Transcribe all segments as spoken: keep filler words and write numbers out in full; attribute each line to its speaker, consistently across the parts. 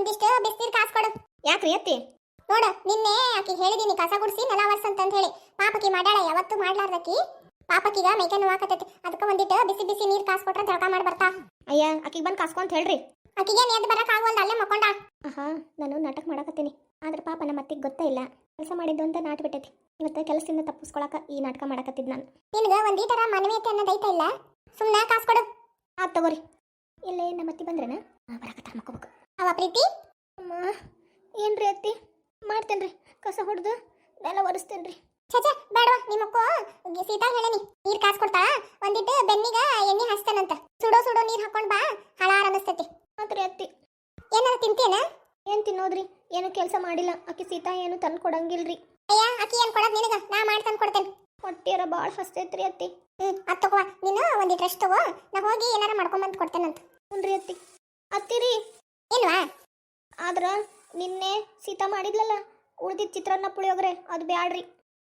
Speaker 1: ಒಂದಿಷ್ಟು ಬಿಸಿನೀರ್ ಕಾಸ್ಕೊಡು.
Speaker 2: ಯಾಕ್ರಿ ಅತ್ತಿ?
Speaker 1: ನೋಡು ನಿನ್ನೆ ಆಕಿ ಹೇಳಿದೀನಿ ಕಸ ಗುಡಿಸಿ ನೆಲ ವರ್ಸ್ ಅಂತ ಹೇಳಿ. ಪಾಪಕಿ ಮಾಡ್ಯಾಳ ಯಾವತ್ತು ಮಾಡ್ಲಾರ್ದಕಿ. ಪಾಪಕಿಗ ಮೈಕೈ ನೋವಾಕತೈತಿ. ಅದಕ್ಕೆ ಒಂದಿಟ್ಟು ಬಿಸಿ ಬಿಸಿ ನೀರ್ ಕಾಸ್ಕೊಟ್ರೆ ಜಳಕ ಮಾಡಿ ಬರ್ತಾ.
Speaker 2: ಅಯ್ಯ ಆಕಿಗೆ ಬಂದು ಕಾಸ್ಕೊಂತ ಹೇಳ್ರಿ.
Speaker 1: ಆಕಿಗೆ ಎದ್ದು ಬರಕ್ ಆಗವಲ್ದು, ಅಲ್ಲೇ ಮಕ್ಕೊಂಡ.
Speaker 2: ಆಹಾ ನಾನು ನಾಟಕ ಮಾಡಕತ್ತೀನಿ. ಆದ್ರೆ ಪಾಪ ನಮ್ಮ ಅತ್ತಿಗೆ ಗೊತ್ತೇ ಇಲ್ಲ ಕೆಲಸ ಮಾಡಿದ್ದು ಅಂತ ನಾಟ್ ಬಿಟ್ಟೈತಿ. ಇವತ್ತು ಕೆಲಸದಿಂದ ತಪ್ಪಿಸ್ಕೊಳಕ ಈ ನಾಟಕ ಮಾಡಕತ್ತಿದ್ ನಾನು.
Speaker 1: ನಿನಗೆ ಒಂದೀಟರ ಮಾನವೀಯತೆ ಅನ್ನೋದೈತ ಇಲ್ಲ, ಸುಮ್ಮನೆ ಕಾಸ್ಕೊಡು.
Speaker 2: ಆತ್ ತಗೋರಿ. ಇಲ್ಲೇ ನಮ್ಮ ಅತ್ತಿ ಬಂದ್ರೇನ? ಬರಕತ್ತಾರ ಮಕ್ಕೋಬೇಕು.
Speaker 1: ಅವ ಪ್ರೀತಿ
Speaker 2: ಅಮ್ಮ ಏನ್ರಿ ಅತ್ತಿ? ಮಾಡ್ತೇನ್ರಿ, ಕಸ ಹೊಡೆದು ನೆಲ ಒರೆಸ್ತೇನ್ರಿ.
Speaker 1: ಚಚ ಬೇಡವಾ, ನಿಮ್ಮಕ್ಕೋ ಸೀತಾ ಹೇಳೇನಿ ನೀರ್ ಕಾಸ್ಕೊಡ್ತಾ. ಒಂದಿಟ್ಟು ಬೆನ್ನಿಗ ಎಣ್ಣೆ ಹಚ್ತಾನಂತ. ಸುಡೋ ಸುಡೋ ನೀರ್ ಹಾಕೊಂಡ್ ಬಾ, ಹಳಾರ ಅನಸ್ತೈತಿ.
Speaker 2: ಆತ್ರಿ ಅತ್ತಿ.
Speaker 1: ಏನಾರ ತಿಂತೇನ?
Speaker 2: ಏನ್ ತಿನ್ನೋದ್ರಿ? ಏನು ಕೆಲಸ ಮಾಡಿಲ್ಲ ಆಕಿ ಸೀತಾ, ಏನು ತಂದು ಕೊಡಂಗಿಲ್ರಿ.
Speaker 1: ಅಯ್ಯ ಆಕಿ ಏನ್ ಕೊಡೋದ್ ನಿನಗ, ನಾ ಮಾಡಿ ತಂದು ಕೊಡ್ತೇನೆ.
Speaker 2: ಹೊಟ್ಟಿಯರ ಭಾಳ ಹಸ್ತೈತ್ರಿ ಅತ್ತಿ.
Speaker 1: ಹ್ಮ್ ಅದ್ ತಗೋ, ನೀನು ಒಂದಿಟ್ಟು ರೆಸ್ಟ್ ತಗೋ, ನಾ ಹೋಗಿ ಏನಾರ ಮಾಡ್ಕೊಂಬಂದು ಕೊಡ್ತೇನಂತ.
Speaker 2: ಹುನ್ರಿ ಅತ್ತಿ. ಅತ್ತಿರಿ
Speaker 1: ಇಲ್ವಾ?
Speaker 2: ಆದ್ರ ನಿನ್ನೆ ಸೀತಾ ಮಾಡಿದ್ಲಲ್ಲ ಉಳ್ದಿದ್ ಚಿತ್ರಾನ್ನ ಪುಳಿಯೋಗ್ರೆ ಅದು ಬ್ಯಾಡ್ರಿ.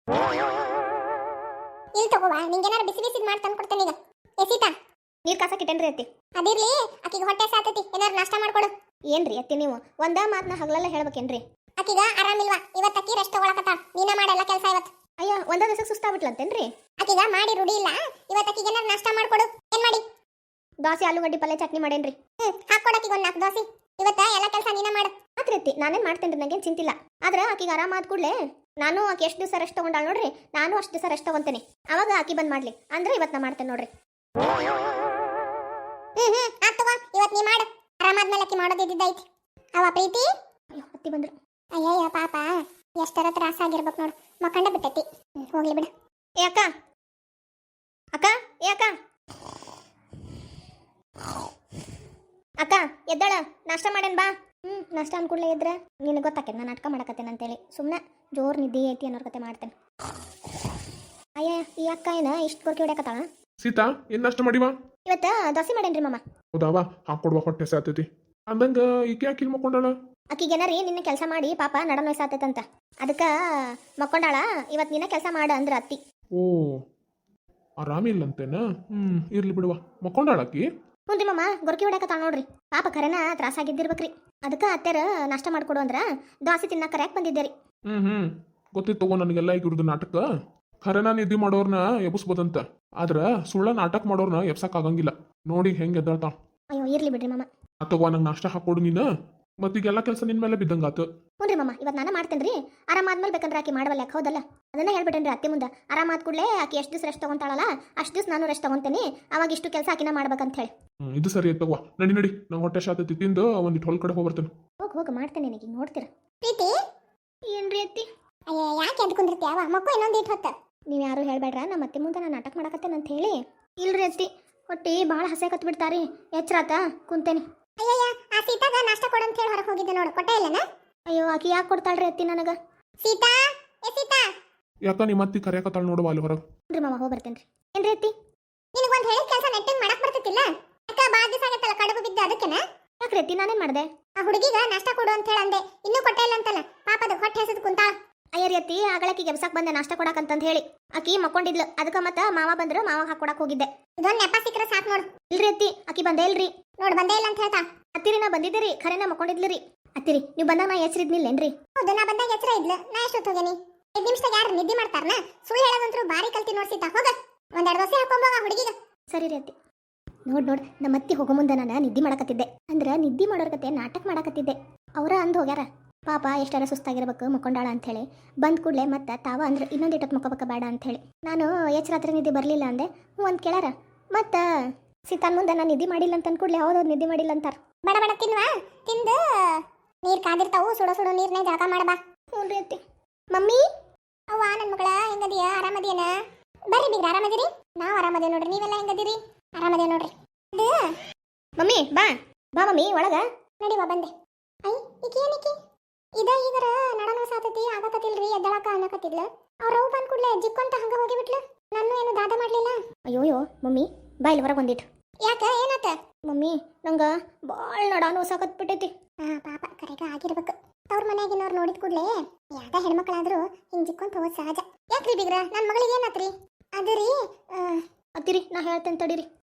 Speaker 1: ಇಲ್ಲಿ ತಗೋವಾ, ನಿಂಗೇನಾರ ಬಿಸಿ ಬಿಸಿ ಮಾಡಿ ತಂದು ಕೊಡ್ತೇನೆ ಈಗ. ಏ ಸೀತಾ
Speaker 2: ನೀರ್ ಕಾಸಕ್ಕಿಟ್ಟೇನ್ರಿ ಅತ್ತಿ.
Speaker 1: ಅದಿರ್ಲಿ, ಆಕಿಗೆ ಹೊಟ್ಟೆ ಸಾತೈತಿ, ಏನಾರ ನಾಷ್ಟ ಮಾಡ್ಕೊಡು.
Speaker 2: ಏನ್ರಿ ಅತ್ತಿ ನೀವು ಒಂದ ಮಾತನ್ನ ಹಗಲೆಲ್ಲ ಹೇಳ್ಬೇಕೇನ್ರಿ?
Speaker 1: ಆಕಿಗ ಆರಾಮಿಲ್ವಾ, ಇವತ್ತು ಅಕ್ಕಿ ರೆಸ್ಟ್ ತಗೊಳಕತ್ತಾಳ. ನೀನ ಮಾಡೆಲ್ಲ ಕೆಲಸ ಇವತ್ತು.
Speaker 2: ಅಯ್ಯ ಒಂದ ದಿವಸ ಸುಸ್ತಾಗ್ಬಿಟ್ಲಂತೇನ್ರಿ?
Speaker 1: ಆಕಿಗ ಮಾಡಿ ರೂಢಿ ಇಲ್ಲ, ಇವತ್ತು ಆಕಿಗೆ ಏನಾರ ನಾಷ್ಟ ಮಾಡ್ಕೊಡು. ಏನ್ ಮಾಡಿ?
Speaker 2: ದೋಸೆ ಆಲೂಗಡ್ಡಿ ಪಲ್ಯ ಚಟ್ನಿ ಮಾಡೇನ್ರಿ.
Speaker 1: ಹ್ಮ್ ಹಾಕೊಡಕಿಗೆ ಒಂದು ನಾಲ್ಕು ದೋಸೆ. ಇವತ್ತ ಎಲ್ಲ ಕೆಲಸ ನೀನ ಮಾಡು.
Speaker 2: ಆತ್ರಿ ಅತ್ತಿ, ನಾನೇನ್ ಮಾಡ್ತೇನ್ರಿ, ನಂಗೇನ್ ಚಿಂತಿಲ್ಲ. ಆದ್ರ ಆಕಿಗೆ ಆರಾಮಾದ ಕೂಡ್ಲೆ ನಾನು ಆಕಿ ಎಷ್ಟು ದಿವಸ ರೆಸ್ಟ್ ತಗೊಂಡಾಳ ನೋಡ್ರಿ, ನಾನು ಅಷ್ಟು ದಿವಸ ರೆಸ್ಟ್ ತಗೊಂತೇನೆ. ಅವಾಗ ಆಕಿ ಬಂದ್ ಮಾಡ್ಲಿ ಅಂದ್ರೆ ಇವತ್ತು ನಾ ಮಾಡ್ತೇನೆ ನೋಡ್ರಿ.
Speaker 1: ಹ್ಮ್ ಹ್ಮ್ ಆತ್ ತಗೋ, ಇವತ್ತು ನೀ ಮಾಡು. ಆರಾಮಾದ್ಮೇಲೆ ಆಕಿ ಮಾಡೋದಿದ್ದೈತಿ. ಅವ ಪ್ರೀತಿ
Speaker 2: ಅಯ್ಯೋ ಅತ್ತಿ ಬಂದ್ರು.
Speaker 1: ಅಯ್ಯಯ್ಯ ಪಾಪ, ಎಷ್ಟರ ತ್ರಾಸ ಆಗಿರ್ಬೇಕು ನೋಡು, ಮಕ್ಕಂಡ ಬಿಟ್ಟೈತಿ. ಹೋಗ್ಲಿ ಬಿಡು.
Speaker 2: ಏ ಅಕ್ಕ, ಅಕ್ಕ, ಏ ಅಕ್ಕ, ಅಕ್ಕ ಎದ್ದಾಳ, ನಾಷ್ಟ ಮಾಡೇನ್ ಬಾ. ಹ್ಮ್ ನಾಷ್ಟ ಅನ್ಕೂಡ್ಲೆ ಇದ್ರೆ ನಿನಗೆ ಗೊತ್ತಾಕೇನ ನಾನು ನಾಟಕ ಮಾಡಕತ್ತೇನೆ ಅಂತೇಳಿ ಸುಮ್ಮನೆ ಜೋರ್ ನಿದ್ದೆ ಐತಿ ಅನ್ನೋರ್ ಕತೆ ಮಾಡ್ತೇನೆ. ಅಯ್ಯ ಈ ಅಕ್ಕ ಏನ ಇಷ್ಟು ಕೊರ್ಕಿ ಹೊಡ್ಯಾಕತ್ತಾಳ?
Speaker 3: ಸೀತಾ ಏನ್ ನಾಷ್ಟ ಮಾಡಿವಾ?
Speaker 2: ಇವತ್ತ ದೋಸೆ ಮಾಡೇನ್ರಿ ಮಾಮ.
Speaker 3: ಹೌದಾವ, ಹಾಕೊಡ್ವಾ, ಹೊಟ್ಟೆ ಸಾತೈತಿ ಅಂದಂಗ ಈಕೆ ಯಾಕೆ ಮಕ್ಕೊಂಡಾಳ?
Speaker 2: ಆಕಿಗೇನಾರಿ ನಿನ್ನೆ ಕೆಲಸ ಮಾಡಿ ಪಾಪ ನಡ ನೋಯ್ಸಾತೈತಂತ, ಅದಕ್ಕ ಮಕ್ಕೊಂಡಾಳ. ಇವತ್ತು ನಿನ್ನ ಕೆಲಸ ಮಾಡ ಅಂದ್ರ ಅತ್ತಿ.
Speaker 3: ಓ ಆರಾಮಿಲ್ಲಂತೇನ? ಹ್ಮ್ ಇರ್ಲಿ ಬಿಡುವ, ಮಕ್ಕೊಂಡಾಳಕಿ.
Speaker 2: ಹುನ್ರಿ ಮಾಮ, ಗೊರ್ಕಿ ಹೊಡ್ಯಾಕತ್ತಾಳ ನೋಡ್ರಿ. ಪಾಪ ಖರೇನ ತ್ರಾಸಾಗಿದ್ದಿರ್ಬೇಕ್ರಿ, ಅದಕ್ಕ ಅತ್ತೆರ ನಾಷ್ಟ ಮಾಡ್ಕೊಡು ಅಂದ್ರ ದೋಸೆ ತಿನ್ನಕ ಕರ್ಯಾಕ್ ಬಂದಿದ್ದೇರಿ.
Speaker 3: ಹ್ಮ್ ಹ್ಮ್ ಗೊತ್ತಿತ್ತು ತಗೋ ನನಗೆಲ್ಲ ಈಗ ಇವ್ರದ್ದು ನಾಟಕ. ಖರೇನ ನಿದ್ದೆ ಮಾಡೋರ್ನ ಎಬ್ಸ್ಬೋದಂತ, ಆದ್ರ ಸುಳ್ಳ ನಾಟಕ ಮಾಡೋರ್ನ ಎಬ್ಸಕ್ ಆಗಂಗಿಲ್ಲ. ನೋಡಿ ಹೆಂಗ್ ಎದ್ದಾಳ್ತಾಳ.
Speaker 2: ಅಯ್ಯೋ ಇರ್ಲಿ ಬಿಡ್ರಿ ಮಾಮ.
Speaker 3: ಅಥವಾ ನಂಗೆ ನಾಷ್ಟ ಹಾಕೊಡು ನೀನು, ಮತ್ತೀಗೆಲ್ಲ ಕೆಲಸ ನಿನ್ ಮೇಲೆ ಬಿದ್ದಂಗಾತು.
Speaker 2: ಹುನ್ರಿ ಮಾಮ, ಇವತ್ತು ನಾನು ಮಾಡ್ತೇನ್ರಿ. ಆರಾಮಾದ್ಮೇಲೆ ಬೇಕಂದ್ರೆ ಆಕಿ ಮಾಡವಲ್ಲ ಯಾಕೆ ಹೌದಲ್ಲ, ಅದನ್ನ ಹೇಳ್ಬಿಟ್ಟೇನ್ರಿ ಅತ್ತಿ ಮುಂದೆ. ಆರಾಮಾದ ಕೂಡಲೇ ಆಕಿ ಎಷ್ಟು ದಿವಸ ರೆಸ್ಟ್ ತಗೊಂತಾಳಲ್ಲ ಅಷ್ಟು ದಿವಸ ನಾನು ರೆಸ್ಟ್ ತಗೊಂತೇನೆ, ಅವಾಗ ಇಷ್ಟು ಕೆಲಸ ಆಕಿನ ಮಾಡ್ಬೇಕಂತ ಹೇಳಿ.
Speaker 3: ಹ್ಮ್ ಇದು ಸರಿ ತಗೋ, ನಡಿ ನಡಿ, ನಂಗೆ ಹೊಟ್ಟೆ ಶಾತೈತಿ, ತಿಂದು ಒಂದಿಟ್ಟು ಹೊಲ್ ಕಡೆ ಹೋಗ್ಬರ್ತೇನೆ.
Speaker 2: ಹೋಗಿ ಹೋಗಿ ಮಾಡ್ತೇನೆ, ನನಗೆ ನೋಡ್ತೀರ.
Speaker 1: ಪ್ರೀತಿ
Speaker 2: ಏನ್ರಿ ಅತ್ತಿ?
Speaker 1: ಅಯ್ಯ ಯಾಕೆ ಎದ್ದು ಕುಂದಿರ್ತೀಯವ, ಮಕ್ಕಳು ಇನ್ನೊಂದು ಇಟ್ಟು ಹೊತ್ತ.
Speaker 2: ನೀವು ಯಾರು ಹೇಳ್ಬೇಡ್ರ, ನಮ್ಮ ಅತ್ತೆ ಮುಂದೆ ನಾನು ನಾಟಕ ಮಾಡಕತ್ತೇನೆ ಅಂತ ಹೇಳಿ. ಇಲ್ರಿ ಅತ್ತಿ, ಹೊಟ್ಟಿ ಭಾಳ ಹಸೆ ಕತ್ ಬಿಡ್ತಾರಿ, ಎಚ್ಚರಾತ ಕುಂತೇನಿ.
Speaker 1: ಅಯ್ಯಯ್ಯ ಆ ಸೀತಾಗ ನಾಷ್ಟ ಕೊಡು ಅಂತ ಹೇಳಿ ಹೊರಗೆ ಹೋಗಿದ್ದೆ ನೋಡು, ಕೊಟ್ಟೆ ಇಲ್ಲನ?
Speaker 2: ಅಯ್ಯೋ ಆಕಿ ಯಾಕೆ ಕೊಡ್ತಾಳ್ರಿ ಅತ್ತಿ ನನಗ?
Speaker 1: ಸೀತಾ, ಏ ಸೀತಾ,
Speaker 3: ಯಾಕ ನಿಮ್ಮ ಅತ್ತಿ ಕರೆಯಕತ್ತಾಳ ನೋಡುವ ಅಲ್ಲಿ ಹೊರಗೆ.
Speaker 2: ಹುನ್ರಿ ಮಾಮ, ಹೋಗಿ ಬರ್ತೇನ್ರಿ. ಏನ್ರಿ ಅತ್ತಿ?
Speaker 1: ನಿನಗೊಂದು ಹೇಳಿದ ಕೆಲಸ ನೆಟ್ಟಿಗೆ ಮಾಡಕ್ ಬರ್ತೈತಿಲ್ಲ? ಅಕ್ಕ ಬಾ ದಿವಸ ಆಗತ್ತಲ್ಲ ಕಡುಬು ಬಿದ್ದು, ಅದಕ್ಕೆನ?
Speaker 2: ಯಾಕ್ರಿ ಅತ್ತಿ, ನಾನೇನ್ ಮಾಡ್ದೆ?
Speaker 1: ಆ ಹುಡುಗಿಗ ನಾಷ್ಟ ಕೊಡು ಅಂತ ಹೇಳಿ ಅಂದೆ, ಇನ್ನೂ ಕೊಟ್ಟೆ ಇಲ್ಲ ಅಂತಲ್ಲ. ಪಾಪದ ಹೊಟ್ಟೆ ಹಸದ್ ಕುಂತಾಳ.
Speaker 2: ಅಯ್ಯರಿ ಅತ್ತಿ, ಆಗಳಾಕಿಗೆ ಎಬ್ಸಕ್ ಬಂದೆ ನಾಷ್ಟ ಕೊಡಕಂತಂತ ಹೇಳಿ. ಆಕಿ ಮಕ್ಕೊಂಡಿದ್ಲು, ಅದಕ್ಕ ಮತ್ತ ಮಾವ ಬಂದ್ರು, ಮಾವ ಹಾಕೊಡಕ್ ಹೋಗಿದ್ದೆ.
Speaker 1: ಇದೊಂದು ನೆಪ ಸಿಕ್ಕರೆ ಸಾಕು ನೋಡು.
Speaker 2: ಇಲ್ರಿ ಅತ್ತಿ, ಆಕಿ ಬಂದೇ ಇಲ್ರಿ.
Speaker 1: ನೋಡು ಬಂದೇ ಇಲ್ಲ ಅಂತ ಹೇಳ್ತಾ.
Speaker 2: ಅತ್ತಿರಿ ನಾ ಬಂದಿದ್ದೀರಿ, ಖರೇನ ಮಕ್ಕೊಂಡಿದ್ಲಿರಿ. ಅತ್ತಿರಿ ನೀವು ಬಂದಾಗ ನಾ ಎಚ್ಚರಿದ್ನಿಲ್ಲೇನ್ರಿ?
Speaker 1: ಹೌದು, ನಾ ಬಂದಾಗ ಎಚ್ಚರ ಇದ್ಲು. ನಾ ಎಷ್ಟೊತ್ತು ಹೋಗೇನಿ? ಐದು ನಿಮಿಷದಾಗ ಯಾರು ನಿದ್ದೆ ಮಾಡ್ತಾರನ? ಸುಳ್ಳು ಹೇಳೋದಂತರೂ ಬಾರಿ ಕಲ್ತಿ ನೋಡ್ಸಿತಾ. ಹೋಗ ಒಂದೆರಡು ದೋಸೆ ಹಾಕೊಂಬೋಗ ಹುಡುಗಿಗ.
Speaker 2: ಸರಿ ರೀ ಅತ್ತಿ. ನೋಡ್ ನೋಡ್ ನಮ್ಮ ಅತ್ತಿ ಹೋಗೋ ಮುಂದೆ ನಾನು ನಿದ್ದೆ ಮಾಡಕತ್ತಿದ್ದೆ. ಅಂದ್ರೆ ನಿದ್ದೆ ಮಾಡೋರ್ ಕತೆ ನಾಟಕ ಮಾಡಕತ್ತಿದ್ದೆ. ಅವರ ಅಂದ್ ಹೋಗ್ಯಾರ, ಪಾಪ ಎಷ್ಟಾರ ಸುಸ್ತಾಗಿರ್ಬೇಕು ಮಕ್ಕೊಂಡಾಳ ಅಂತ ಹೇಳಿ. ಬಂದ್ ಕೂಡಲೇ ಮತ್ತೆ ತಾವ ಅಂದ್ರೆ ಇನ್ನೊಂದು ಇಟ್ಟತ್ ಮಕ್ಕೋಬೇಕ ಬೇಡ ಅಂತ ಹೇಳಿ ನಾನು ಎಚ್ಚರಾತ್ರಿ ನಿದ್ದೆ ಬರಲಿಲ್ಲ ಅಂದೆ. ಹ್ಞೂ ಅಂತ ಕೇಳಾರ. ಮತ್ತು ಸೀತಾನ್ ಮುಂದೆ ನಾನು ನಿದ್ದೆ ಮಾಡಿಲ್ಲ ಅಂತ ಅಂದ್ಕೂಡ್ಲೆ ಹೌದೌದು ನಿದ್ದೆ ಮಾಡಿಲ್ಲ ಅಂತಾರ.
Speaker 1: ಬೇಡ ಬೇಡ ತಿನ್ವಾ, ತಿಂದು ನೀರು ಕಾದಿರ್ತಾವು, ಸುಡೋ ಸುಡೋ ನೀರ್ನೇ ಜಳಕ ಮಾಡಬಾ.
Speaker 2: ಹ್ಞೂ ರೀ ಅತ್ತಿ. ಮಮ್ಮಿ,
Speaker 1: ಅವ್ವ ನನ್ನ ಮಗಳ ಹೆಂಗದಿಯ? ಆರಾಮದಿಯನ? ಬರ್ರಿ ಬಿಗ್ರ, ಆರಾಮದಿರಿ? ನಾವು ಆರಾಮದೇವ್ ನೋಡ್ರಿ, ನೀವೆಲ್ಲ ಹೆಂಗದಿರಿ? ಆರಾಮದೇವ್ ನೋಡ್ರಿ. ಇದು
Speaker 2: ಮಮ್ಮಿ ಬಾ ಬಾ ಮಮ್ಮಿ ಒಳಗ
Speaker 1: ನಡಿವಾ, ಬಂದೆ. ಐ ಈಕಿ ಏನಿಕಿ ಇದ ಈಗರ ನಡನ ಸಾತತಿ ಆಗಕತ್ತಿಲ್ರಿ, ಎದ್ದಳಕ ಅನ್ನಕತ್ತಿದ್ಲ. ಅವ್ರ ಅವು ಬಂದ್ ಕೂಡ್ಲೆ ಜಿಕ್ಕೊಂತ ಹಂಗ ಹೋಗಿಬಿಟ್ಲು. ನಾನು ಏನು ದಾದ ಮಾಡ್ಲಿಲ್ಲ.
Speaker 2: ಅಯ್ಯೋಯ್ಯೋ ಮಮ್ಮಿ ಬಾ ಇಲ್ಲಿ ಹೊರಗೆ ಬಂದಿಟ್ಟು.
Speaker 1: ಯಾಕ ಏನಾತ?
Speaker 2: ಮಮ್ಮಿ ನಂಗೆ ಭಾಳ ನಡಾನು ಸಾಕತ್ ಬಿಟ್ಟೈತಿ.
Speaker 1: ಹಾ ಪಾಪ ಕರೆಗ ಆಗಿರ್ಬೇಕು. ಅವ್ರ ಮನ್ಯಾಗಿನವ್ರು ನೋಡಿದ ಕೂಡ್ಲೆ ಯಾಕ ಹೆಣ್ಮಕ್ಳಾದ್ರು ಹಿಂಗ್ ಜಿಕ್ಕೊಂತ ಹೋಗೋದು ಸಹಜ. ಯಾಕ್ರಿ ಬಿಗ್ರ, ನನ್ನ ಮಗಳಿಗೆ ಏನಾತ್ರಿ? ಅದು ರೀ
Speaker 2: ಅತ್ತಿರಿ ನಾ ಹೇಳ್ತೇನೆ ತಡೀರಿ.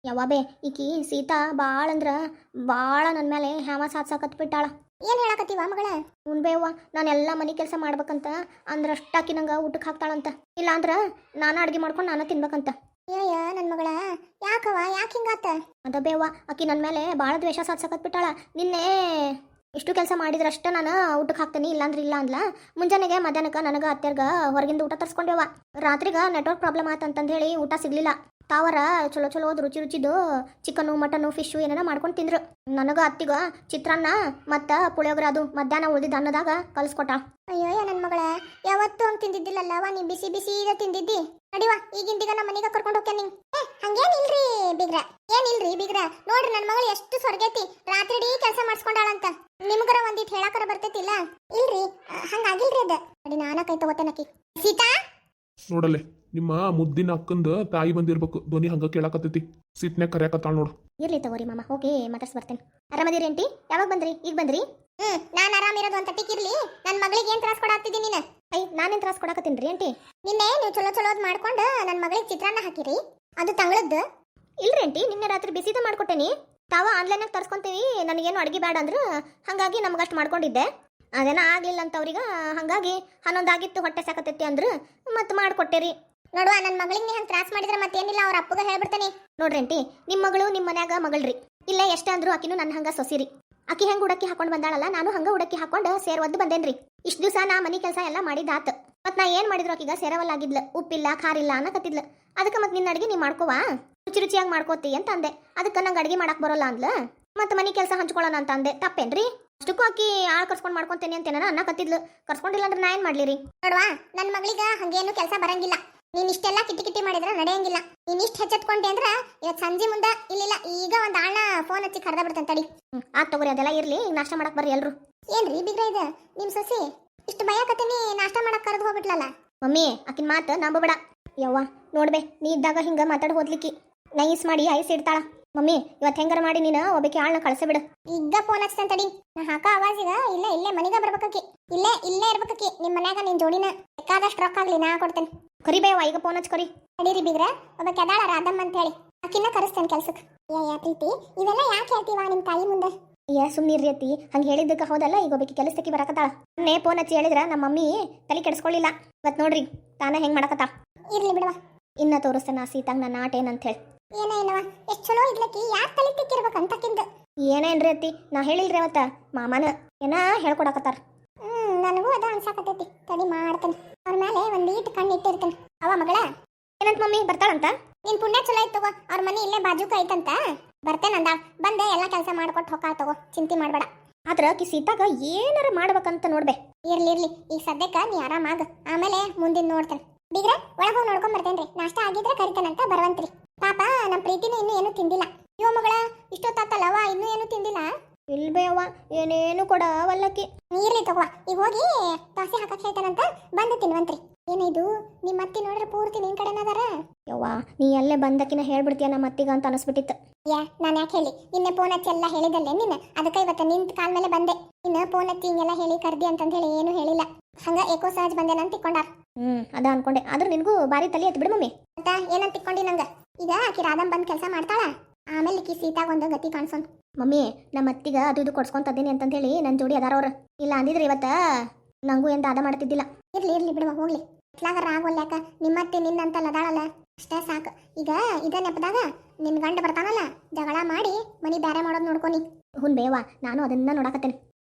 Speaker 2: ಯಾವಾಬೇ ಈಕಿ ಸೀತಾ ಭಾಳ ಅಂದ್ರ ಭಾಳ ನನ್ನ ಮೇಲೆ ಹ್ಯಾವ ಸಾತ್ಸಾಕತ್ ಬಿಟ್ಟಾಳ.
Speaker 1: ಏನ್ ಹೇಳಕತ್ತೀವ ಮಗಳ?
Speaker 2: ಉಣ್ಬೇವ್ವ ನಾನೆಲ್ಲ ಮನೆ ಕೆಲಸ ಮಾಡ್ಬೇಕಂತ ಅಂದ್ರ ಅಷ್ಟಾಕಿ ನಂಗೆ ಊಟಕ್ಕೆ ಹಾಕ್ತಾಳಂತ. ಇಲ್ಲ ಅಂದ್ರ ನಾನು ಅಡ್ಗೆ ಮಾಡ್ಕೊಂಡು ನಾನು ತಿನ್ಬೇಕಂತ.
Speaker 1: ಅಯ್ಯ ನನ್ ಮಗಳ ಯಾಕವ ಯಾಕೆ ಹಿಂಗಾತ?
Speaker 2: ಅದ ಬೇವ್ವ ಆಕಿ ನನ್ನ ಮೇಲೆ ಭಾಳ ದ್ವೇಷ ಸಾತ್ಸಕತ್ ಬಿಟ್ಟಾಳ. ನಿನ್ನೆ ಇಷ್ಟು ಕೆಲಸ ಮಾಡಿದ್ರಷ್ಟ ನಾನು ಊಟಕ್ಕೆ ಹಾಕ್ತೀನಿ ಇಲ್ಲಾಂದ್ರೆ ಇಲ್ಲ ಅಂದ್ಲ. ಮುಂಜಾನೆಗೆ ಮಧ್ಯಾಹ್ನಕ್ಕೆ ನನಗೆ ಅತ್ತೆರ್ಗ ಹೊರಗಿಂದ ಊಟ ತರ್ಸ್ಕೊಂಡೇವ. ರಾತ್ರಿಗ ನೆಟ್ವರ್ಕ್ ಪ್ರಾಬ್ಲಮ್ ಆತಂತಂದು ಹೇಳಿ ಊಟ ಸಿಗ್ಲಿಲ್ಲ. ತಾವರ ಚಲೋ ಚಲೋ ರುಚಿ ರುಚಿದು ಚಿಕನ್ನು ಮಟನ್ನು ಫಿಶು ಏನೇನ ಮಾಡ್ಕೊಂಡು ತಿಂದ್ರು. ನನಗ ಅತ್ತಿಗ ಚಿತ್ರಾನ್ನ ಮತ್ತು ಪುಳಿಯೋಗರೆ ಅದು ಮಧ್ಯಾಹ್ನ ಉಳಿದಿದ್ದ ಅನ್ನದಾಗ ಕಲಿಸ್ಕೊಟ್ಟ.
Speaker 1: ಅಯ್ಯೋ ನನ್ ಮಗಳ ಯಾವತ್ತೂ ಹಂಗ್ ತಿಂದಿದ್ದಿಲ್ಲಲ್ಲವ, ನೀ ಬಿಸಿ ಬಿಸಿ ಈಗ ತಿಂದಿದ್ದಿ. ನಡಿವ ಈಗಿಂದೀಗ ನಮ್ಮ ಮನೆಗೆ ಕರ್ಕೊಂಡು ಹೋಗ್ತೇನೆ ನಿಂಗೆ. ಏ ಹಂಗೇನಿಲ್ರಿ ಬಿಗ್ರ, ಏನಿಲ್ರಿ ಬಿಗ್ರ. ನೋಡ್ರಿ ನನ್ನ ಮಗಳು ಎಷ್ಟು ಸ್ವರ್ಗೈತಿ, ರಾತ್ರಿ ಇಡೀ ಕೆಲಸ ಮಾಡಿಸ್ಕೊಂಡಾಳಂತ. ನಿಮ್ಗರ ಒಂದಿಟ್ಟು ಹೇಳಕರ ಬರ್ತೈತಿಲ್ಲ. ಇಲ್ರಿ ಹಂಗಾಗಿಲ್ರಿ ಅದ. ನಡಿ ನಾನ ಕೈ ತಗೋತೇನಕಿ. ಸೀತಾ
Speaker 3: ನೋಡಲೆ ನಿಮ್ಮ ಮುದ್ದಿನ ಅಕ್ಕಂದ ತಾಯಿ ಬಂದಿರ್ಬೇಕು, ಧ್ವನಿ ಹಂಗ ಕೇಳಾಕತ್ತೈತಿ. ಸಿಟ್ನ್ಯಾಗ ಕರ್ಯಾಕತ್ತಾಳ ನೋಡು.
Speaker 2: ಇರ್ಲಿ ತಗೋರಿ ಮಾಮ, ಹೋಗಿ ಮಾತಾಡ್ಸಿ ಬರ್ತೇನೆ. ಆರಾಮದಿರಿ ಆಂಟಿ? ಯಾವಾಗ ಬಂದ್ರಿ? ಈಗ ಬಂದ್ರಿ?
Speaker 1: ಹ್ಮ್ ನಾನ್ ಆರಾಮಿರೋದು ಅಂತ ಟಿಕ್ಕಿರ್ಲಿ. ನನ್ ಮಗಳಿಗೆ ಏನ್ ತ್ರಾಸ ಕೊಡಾಕ್ತಿದ್ದೀನಿ ನೀನು?
Speaker 2: ಐ ನಾನೇನು ತ್ರಾಸ ಕೊಡಾಕತ್ತೀನ್ರಿ ಆಂಟಿ?
Speaker 1: ನಿನ್ನೆ ನೀವು ಚಲೋ ಚಲೋದ್ ಮಾಡ್ಕೊಂಡು ನನ್ನ ಮಗಳಿಗೆ ಚಿತ್ರಾನ್ನ ಹಾಕಿರಿ, ಅದು ತಂಗಳದ್ದು.
Speaker 2: ಇಲ್ರಿ ಆಂಟಿ, ನಿನ್ನೆ ರಾತ್ರಿ ಬಿಸಿದ ಮಾಡ್ಕೊಟ್ಟೇನಿ. ತಾವ ಆನ್ಲೈನಾಗ ತರ್ಸ್ಕೊಂತೀವಿ, ನನಗೇನು ಅಡುಗೆ ಬೇಡ ಅಂದ್ರು, ಹಾಗಾಗಿ ನಮಗಷ್ಟು ಮಾಡ್ಕೊಂಡಿದ್ದೆ. ಅದೇನ ಆಗ್ಲಿಲ್ಲ ಅಂತ ಅವ್ರಿಗೆ, ಹಾಗಾಗಿ ಹನ್ನೊಂದಾಗಿತ್ತು ಹೊಟ್ಟೆ ಸಾಕತೈತಿ ಅಂದ್ರು ಮತ್ತೆ ಮಾಡ್ಕೊಟ್ಟೇರಿ.
Speaker 1: ನೋಡುವ ನನ್ನ ಮಗಳಿಗೆ ನೀ ಹಂಗೆ ತ್ರಾಸ ಮಾಡಿದ್ರೆ ಮತ್ತೇನಿಲ್ಲ, ಅವ್ರ ಅಪ್ಪಗ ಹೇಳ್ಬಿಡ್ತಾನೆ.
Speaker 2: ನೋಡ್ರಿ ಆಂಟಿ, ನಿಮ್ಮ ಮಗಳು ನಿಮ್ಮ ಮನ್ಯಾಗ ಮಗಳ್ರಿ. ಇಲ್ಲೇ ಎಷ್ಟೇ ಅಂದ್ರು ಆಕಿನೂ ನನ್ನ ಹಂಗ ಸೊಸಿರಿ. ಆಕಿ ಹೆಂಗೆ ಉಡಕ್ಕಿ ಹಾಕೊಂಡು ಬಂದಾಳಲ್ಲ, ನಾನು ಹಂಗ ಉಡಕ್ಕಿ ಹಾಕೊಂಡು ಸೇರ್ ಒದ್ದು ಬಂದೇನ್ರಿ. ಇಷ್ಟು ದಿವಸ ನಾ ಮನೆ ಕೆಲಸ ಎಲ್ಲ ಮಾಡಿದಾತ. ಮತ್ ನಾ ಏನ್ ಮಾಡಿದ್ರು ಆಕಿಗ ಸೇರವಲ್ಲಾಗಿದ್ಲ, ಉಪ್ಪಿಲ್ಲ ಖಾರಿಲ್ಲ ಅನ್ನಕತ್ತಿದ್ಲ. ಅದಕ್ಕೆ ಮತ್ತೆ ನಿನ್ನ ಅಡಿಗೆ ನೀ ಮಾಡ್ಕೋವಾ, ರುಚಿ ರುಚಿಯಾಗಿ ಮಾಡ್ಕೋತಿ ಅಂತ ಅಂದೆ. ಅದಕ್ಕೆ ನಂಗೆ ಅಡಿಗೆ ಮಾಡಕ್ ಬರೋಲ್ಲ ಅಂದ್ಲ. ಮತ್ತೆ ಮನೆ ಕೆಲಸ ಹಂಚ್ಕೊಳ್ಳೋಣ ಅಂತ ಅಂದೆ. ತಪ್ಪೇನ್ರಿ? ಅಷ್ಟಕ್ಕೂ ಆಕಿ ಆಳ್ ಕರ್ಸ್ಕೊಂಡು ಮಾಡ್ಕೊಂತೇನೆ ಅಂತ ಏನಾರ ಅನ್ನಕತ್ತಿದ್ಲು. ಕರ್ಸ್ಕೊಂಡಿಲ್ಲ ಅಂದ್ರೆ ನಾ ಏನ್ ಮಾಡ್ಲಿರಿ?
Speaker 1: ನೋಡುವ ನನ್ನ ಮಗಳಿಗೆ ಹಂಗೇನು ಕೆಲಸ ಬರಂಗಿಲ್ಲ. ನೀನ್ ಇಷ್ಟೆಲ್ಲ ಕಿಟಿ ಕಿಟಿ ಮಾಡಿದ್ರೆ ನಡೆಯಂಗಿಲ್ಲ. ನೀನ್ ಇಷ್ಟ ಹೆಚ್ಚತ್ಕೊಂಡೆ ಅಂದ್ರ ಇವತ್ತು ಸಂಜೆ ಮುಂದೆ ಇಲ್ಲಿಲ್ಲ ಈಗ ಒಂದ್ ಆಳ್ನ ಫೋನ್ ಹಚ್ಚಿ ಕರ್ದ ಬಿಡ್ತಾನೆ ತಡಿ.
Speaker 2: ಹ್ಮ್ ಆತ್ ತಗೋರಿ, ಅದೆಲ್ಲ ಇರ್ಲಿ. ಈಗ ನಾಷ್ಟ ಮಾಡಕ್ ಬರ್ರಿ ಎಲ್ರು.
Speaker 1: ಏನ್ರಿ ಬಿಗ್ರ ಇದು ನಿಮ್ ಸೊಸಿ ಇಷ್ಟು ಭಯಕತ್ತೀನಿ ನಾಷ್ಟ ಮಾಡಕ್ ಕರೆದು ಹೋಗ್ಬಿಟ್ಲಲ್ಲ.
Speaker 2: ಮಮ್ಮಿ ಆಕಿನ ಮಾತು ನಂಬಬೇಡ. ಯವ್ವ ನೋಡ್ಬೇ, ನೀ ಇದ್ದಾಗ ಹಿಂಗ ಮಾತಾಡ್ ಹೋದ್ಲಿಕ್ಕಿ ನೈಸ್ ಮಾಡಿ ಐಸ್ ಇಡ್ತಾಳ. ಮಮ್ಮಿ ಇವತ್ತು ಹೆಂಗಾರ ಮಾಡಿ ನೀನು ಒಬ್ಬಕ್ಕೆ ಆಳ್ನ ಕಳ್ಸ ಬಿಡು.
Speaker 1: ಈಗ ಫೋನ್ ಹಚ್ತಾನೆ ತಡಿ. ನಾ ಹಾಕ ಆವಾಜಿಗ ಇಲ್ಲೇ ಇಲ್ಲೇ ಮನಿಗ ಬರ್ಬೇಕಿ. ಇಲ್ಲೇ ಇಲ್ಲೇ ಇರ್ಬೇಕಿ ನಿಮ್ ಮನ್ಯಾಗ. ನಿನ್ ಜೋಡಿನ ಬೇಕಾದಷ್ಟು ರೊಕ್ಕ ಆಗ್ಲಿ ನಾ ಕೊಡ್ತೇನೆ.
Speaker 2: ಕರಿಬೇವ ಈಗ ಫೋನ್ ಹಚ್ ಕರಿ.
Speaker 1: ನಡೀರಿ ಬಿಗ್ರ, ಒಬ್ಬ ಕೆದಾಳ ರಾಧಮ್ಮ ಅಂತ ಹೇಳಿ ಆಕಿನ್ನ ಕರೆಸ್ತೇನೆ ಕೆಲ್ಸಕ್ಕೆ. ಯಾ ಯಾ ಪ್ರೀತಿ ಇವೆಲ್ಲ ಯಾಕೆ ಹೇಳ್ತೀವ ನಿಮ್ ತಾಯಿ ಮುಂದೆ?
Speaker 2: ಏ ಸುಮ್ನಿರ್ರಿ ಅತ್ತಿ, ಹಂಗೆ ಹೇಳಿದ್ದಕ್ಕೆ ಹೌದಲ್ಲ. ಈಗ ಒಬ್ಬಕ್ಕೆ ಕೆಲಸಕ್ಕೆ ಬರಕತ್ತಾಳ. ನೇ ಫೋನ್ ಹಚ್ಚಿ ಹೇಳಿದ್ರ ನಮ್ಮ ಮಮ್ಮಿ ತಲೆ ಕೆಡಿಸ್ಕೊಳ್ಳಿಲ್ಲ. ಇವತ್ತು ನೋಡ್ರಿ ತಾನ ಹೆಂಗ್ ಮಾಡಕತ್ತಾಳ.
Speaker 1: ಇರ್ಲಿ ಬಿಡವ,
Speaker 2: ಇನ್ನ ತೋರಿಸ್ತೇನೆ ಆ ಸೀತಾಂಗ್ ನನ್ನ ಆಟ ಏನಂತ ಹೇಳಿ.
Speaker 1: ಏನ ಏನವ ಎಷ್ಟ್ ಚಲೋ ಇದ್ಲಕ್ಕಿ, ಯಾಕೆ ತಲೆ ತಿಕ್ಕಿರ್ಬೇಕು ಅಂತಕ್ಕಿಂದ.
Speaker 2: ಏನೇನ್ರಿ ಅತ್ತಿ, ನಾ ಹೇಳಿಲ್ರಿ ಅವತ್ತ ಮಾಮನ ಏನ ಹೇಳ್ಕೊಡಕತ್ತಾರ.
Speaker 1: ಹ್ಮ್ ನನಗೂ ಅದ ಅನ್ಸಾಕತೈತಿ. ತಡಿ ಮಾಡ್ತೇನೆ, ಅವ್ರ ಮೇಲೆ ಒಂದ್ ಈಟ್ ಕಣ್ಣು ಇಟ್ಟಿರ್ತೇನೆ. ಅವ ಮಗಳ
Speaker 2: ಏನಂತ ಮಮ್ಮಿ ಬರ್ತಾಳಂತ?
Speaker 1: ನಿನ್ ಪುಣ್ಯ ಚಲೋ ಐತ್ ತಗೋ, ಅವ್ರ ಮನೆ ಇಲ್ಲೇ ಬಾಜುಕ ಐತಂತ. ಬರ್ತೇನಂದ, ಬಂದೆ ಎಲ್ಲ ಕೆಲಸ ಮಾಡ್ಕೊಟ್ಟು ಹೊಕ್ಕ ತಗೋ, ಚಿಂತೆ ಮಾಡ್ಬೇಡ.
Speaker 2: ಆದ್ರ ಆಕಿ ಸೀತಾಗ ಏನಾರ ಮಾಡ್ಬೇಕಂತ ನೋಡ್ಬೆ.
Speaker 1: ಇರ್ಲಿ ಇರ್ಲಿ, ಈಗ ಸದ್ಯಕ್ಕ ನೀ ಆರಾಮಾಗ, ಆಮೇಲೆ ಮುಂದಿನ ನೋಡ್ತೇನೆ. ಬೀಗ್ರ ಒಳಗೆ ಹೋಗಿ ನೋಡ್ಕೊಂಡ್ ಬರ್ತೇನ್ರಿ. ನಾಷ್ಟ ಆಗಿದ್ರೆ ಕರಿತೇನಂತ ಬರವಂತ್ರಿ. ಪಾಪ ನಮ್ಮ ಪ್ರೀತಿನೂ ಇನ್ನೂ ಏನು ತಿಂದಿಲ್ಲ. ಇವ ಮಗಳ ಇಷ್ಟೊತ್ತಾತಲ್ಲವ ಇನ್ನೂ ಏನು ತಿಂದಿಲ್ಲ.
Speaker 2: ಇಲ್ಬೇವ ಏನೇನು ಕೊಡವಲ್ಲಕ್ಕಿ.
Speaker 1: ಇರ್ಲಿ ತಗೋ, ಈಗ ಹೋಗಿ ದೋಸೆ ಹಾಕಕ್ ಹೇಳ್ತಾನಂತ, ಬಂದು ತಿನ್ವಂತ್ರಿ. ಏನಿದು ನಿಮ್ಮ ಅತ್ತಿ ನೋಡ್ರೆ ಪೂರ್ತಿ ನಿನ್ ಕಡೆನದಾರ.
Speaker 2: ಯವ್ವ ನೀ ಅಲ್ಲೇ ಬಂದಕಿನ ಹೇಳ್ಬಿಡ್ತೀಯ ನಮ್ಮ ಅತ್ತಿಗ ಅಂತ ಅನಿಸ್ಬಿಟ್ಟಿತ್ತು.
Speaker 1: ಯಾ ನಾನು ಯಾಕೆ ಹೇಳಿ, ನಿನ್ನೆ ಫೋನ್ ಹಚ್ಚಿ ಎಲ್ಲ ಹೇಳಿದಲ್ಲೇ ನಿನ್ನ, ಅದಕ್ಕೆ ಇವತ್ತು ನಿಂತ ಕಾಲ ಮೇಲೆ ಬಂದೆ. ಇನ್ನ ಫೋನ್ ಹಚ್ಚಿ ಹಿಂಗೆಲ್ಲ ಹೇಳಿ ಕರ್ದಿ ಅಂತಂದ ಹೇಳಿ ಏನು ಹೇಳಿಲ್ಲ. ಹಂಗ ಏಕೋ ಸಹಜ ಬಂದೇನಂತ ತಿಕ್ಕೊಂಡಾರ.
Speaker 2: ಹ್ಮ್ ಅದ ಅನ್ಕೊಂಡೆ, ಆದ್ರೆ ನಿನ್ಗೂ ಬಾರಿ ತಲೆ ಎತ್ತು ಬಿಡು ಮಮ್ಮಿ.
Speaker 1: ಮತ್ತ ಏನಂತ ತಿಕ್ಕೊಂಡಿ ನಂಗ? ಈಗ ಆಕಿ ರಾಧಮ್ ಬಂದ್ ಕೆಲಸ ಮಾಡ್ತಾಳ, ಆಮೇಲೆ ಈಕಿ ಸೀತಾಗ ಒಂದು ಗತಿ ಕಾಣಿಸೋನ್.
Speaker 2: ಮಮ್ಮಿ ನಮ್ಮ ಅತ್ತಿಗ ಅದು ಇದು ಕೊಡ್ಸ್ಕೊಂತದ್ದೀನಿ ಅಂತಂತ ಹೇಳಿ ನನ್ನ ಜೋಡಿ ಅದಾರ ಅವ್ರ. ಇಲ್ಲ ಅಂದಿದ್ರೆ ಇವತ್ತ ನಂಗೂ ಎಂತ ಅದ ಮಾಡ್ತಿದ್ದಿಲ್ಲ.
Speaker 1: ಇರ್ಲಿ ಇರ್ಲಿ ಬಿಡುವ ಹೋಗ್ಲಿ. ಇತ್ಲಾಗ ರಾಗೋಲ್ಯಾಕ, ನಿಮ್ಮತ್ತೆ ನಿನ್ನಂತಲ್ಲ ಅದಾಳಲ್ಲ ಅಷ್ಟೇ ಸಾಕು. ಈಗ ಇದ ನೆಪದಾಗ ನಿನ್ ಗಂಡ ಬರ್ತಾನಲ್ಲ, ಜಗಳ ಮಾಡಿ ಮನಿ ಬ್ಯಾರೆ ಮಾಡೋದ್ ನೋಡ್ಕೊನಿ.
Speaker 2: ಹುನ್ ಬೇವ, ನಾನು ಅದನ್ನ ನೋಡಾಕತ್ತೇನೆ.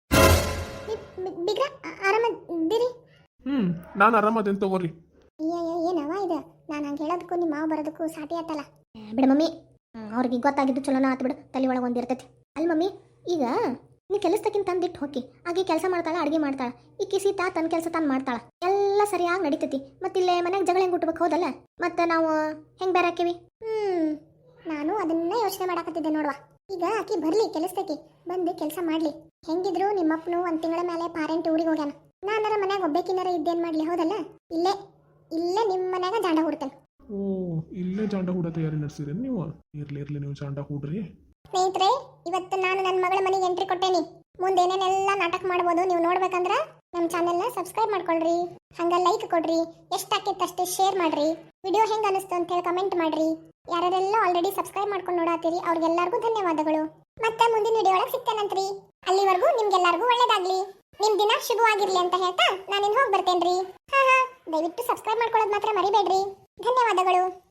Speaker 1: ಬಿಗ್ರ ಆರಾಮದಿರಿ?
Speaker 3: ಹ್ಮ್ ನಾನು ಆರಾಮದೇನ್ ತಗೋರಿ.
Speaker 1: ಅಯ್ಯ ಏನವ ಇದು, ನಾನು ಹಂಗೆ ಹೇಳೋದಕ್ಕೂ ನಿಮ್ಮ ಮಾವು ಬರೋದಕ್ಕೂ ಸಾಟಿ ಆತಲ್ಲ.
Speaker 2: ಬಿಡ ಮಮ್ಮಿ, ಅವ್ರಿಗೆ ಗೊತ್ತಾಗಿದ್ದು ಚಲೋನ ಆತು ಬಿಡು, ತಲೆ ಒಳಗೆ ಒಂದಿರ್ತೈತಿ. ಅಲ್ಲಿ ಮಮ್ಮಿ ಈಗ ನೀ ಕೆಲಸದಕ್ಕಿಂತ ತಂದಿಟ್ಟು ಹೋಗಿ ಆಕೆ ಕೆಲಸ ಮಾಡ್ತಾಳ, ಅಡುಗೆ ಮಾಡ್ತಾಳ. ಈಕಿ ಸೀತಾ ತನ್ನ ಕೆಲಸ ತಾನು ಮಾಡ್ತಾಳ, ಎಲ್ಲ ಸರಿಯಾಗಿ ನಡೀತೈತಿ. ಮತ್ತಿಲ್ಲೇ ಮನೆಗೆ ಜಗಳ ಹೆಂಗೆ ಹುಟ್ಟಬೇಕು ಹೌದಲ್ಲ, ಮತ್ತೆ ನಾವು ಹೆಂಗೆ ಬೇರೆ ಹಾಕಿವಿ?
Speaker 1: ಹ್ಮ್ ನಾನು ಅದನ್ನೇ ಯೋಚನೆ ಮಾಡಾಕತ್ತಿದ್ದೆ ನೋಡುವ. ಈಗ ಆಕಿ ಬರ್ಲಿ ಕೆಲಸದಕ್ಕೆ, ಬಂದು ಕೆಲಸ ಮಾಡ್ಲಿ. ಹೆಂಗಿದ್ರು ನಿಮ್ಮಪ್ಪನು ಒಂದ್ ತಿಂಗಳ ಮೇಲೆ ಪಾರೆಂಟ್ ಊರಿಗೆ ಹೋಗ್ಯಾನ. ನಾನಾರ ಮನ್ಯಾಗ ಒಬ್ಬೇಕಿನಾರ ಇದ್ದೇನ್ ಮಾಡ್ಲಿ ಹೌದಲ್ಲ. ಇಲ್ಲೇ ಇಲ್ಲೇ ನಿಮ್ಮ ಮನ್ಯಾಗ ಜಾಂಡ ಹುಡ್ತೇನೆ.
Speaker 3: ಓ ಇಲ್ಲೇ ಜಾಂಡ ಹೂಡ ತಯಾರಿ ನಡೆಸಿರಿ ನೀವು. ಇರ್ಲಿ ಇರ್ಲಿ ನೀವು ಜಾಂಡ ಹೂಡ್ರಿ.
Speaker 1: ಸ್ನೇಹಿತರೆ, ಇವತ್ತು ನಾನು ನನ್ನ ಮಗಳ ಮನೆಗೆ ಎಂಟ್ರಿ ಕೊಟ್ಟೇನಿ. ಮುಂದೆ ಏನೇನೆಲ್ಲ ನಾಟಕ ಮಾಡ್ಬೋದು ನೀವು ನೋಡ್ಬೇಕಂದ್ರ ನಮ್ಮ ಚಾನೆಲ್ನ ಸಬ್ಸ್ಕ್ರೈಬ್ ಮಾಡ್ಕೊಳ್ರಿ, ಹಂಗ ಲೈಕ್ ಕೊಡ್ರಿ, ಎಷ್ಟಾಕಿತ್ತಷ್ಟು ಶೇರ್ ಮಾಡ್ರಿ, ವಿಡಿಯೋ ಹೆಂಗ ಅನಿಸ್ತು ಅಂತ ಹೇಳಿ ಕಮೆಂಟ್ ಮಾಡ್ರಿ. ಯಾರೆಲ್ಲ ಆಲ್ರೆಡಿ ಸಬ್ಸ್ಕ್ರೈಬ್ ಮಾಡ್ಕೊಂಡು ನೋಡಾತೀರಿ ಅವ್ರಿಗೆಲ್ಲರಿಗೂ ಧನ್ಯವಾದಗಳು. ಮತ್ತೆ ಮುಂದಿನ ವಿಡಿಯೋ ಒಳಗೆ ಸಿಗ್ತೇನಂತ್ರಿ. ಅಲ್ಲಿವರೆಗೂ ನಿಮ್ಗೆಲ್ಲರಿಗೂ ಒಳ್ಳೇದಾಗ್ಲಿ, ನಿಮ್ ದಿನ ಶುಭವಾಗಿರ್ಲಿ ಅಂತ ಹೇಳ್ತಾ ನಾನಿನ್ ಹೋಗಿ ಬರ್ತೇನ್ರಿ. ಹಾ ಹಾ ದಯವಿಟ್ಟು ಸಬ್ಸ್ಕ್ರೈಬ್ ಮಾಡ್ಕೊಳ್ಳೋದು ಮಾತ್ರ ಮರಿಬೇಡ್ರಿ. ಧನ್ಯವಾದಗಳು.